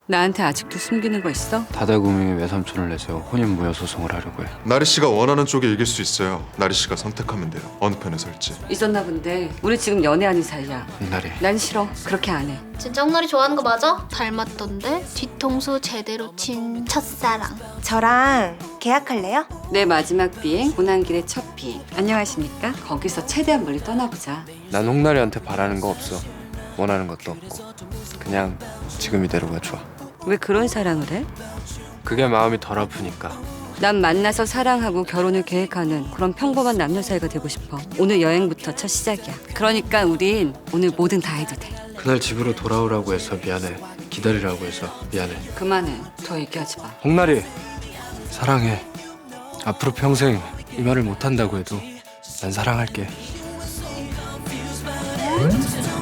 나한테 아직도 숨기는 거 있어? 다달구미 외삼촌을 내세워 혼인무효소송을 하려고 해. 나리 씨가 원하는 쪽에 이길 수 있어요. 나리 씨가 선택하면 돼요. 어느 편에 설지. 있었나 본데 우리 지금 연애하는 사이야. 홍나리, 난 싫어. 그렇게 안 해. 진짜 홍나리 좋아하는 거 맞아? 닮았던데? 뒤통수 제대로 친 첫사랑. 저랑 계약할래요? 내 마지막 비행, 오는 길의 첫 비행. 안녕하십니까? 거기서 최대한 멀리 떠나보자. 난 홍나리한테 바라는 거 없어. 원하는 것도 없고. 그냥 지금 이대로가 좋아. 왜 그런 사랑을 해? 그게 마음이 덜 아프니까. 난 만나서 사랑하고 결혼을 계획하는 그런 평범한 남녀 사이가 되고 싶어. 오늘 여행부터 첫 시작이야. 그러니까 우린 오늘 뭐든 다 해도 돼. 그날 집으로 돌아오라고 해서 미안해. 기다리라고 해서 미안해. 그만해. 더 얘기하지 마. 홍나리, 사랑해. 앞으로 평생 이 말을 못한다고 해도 난 사랑할게.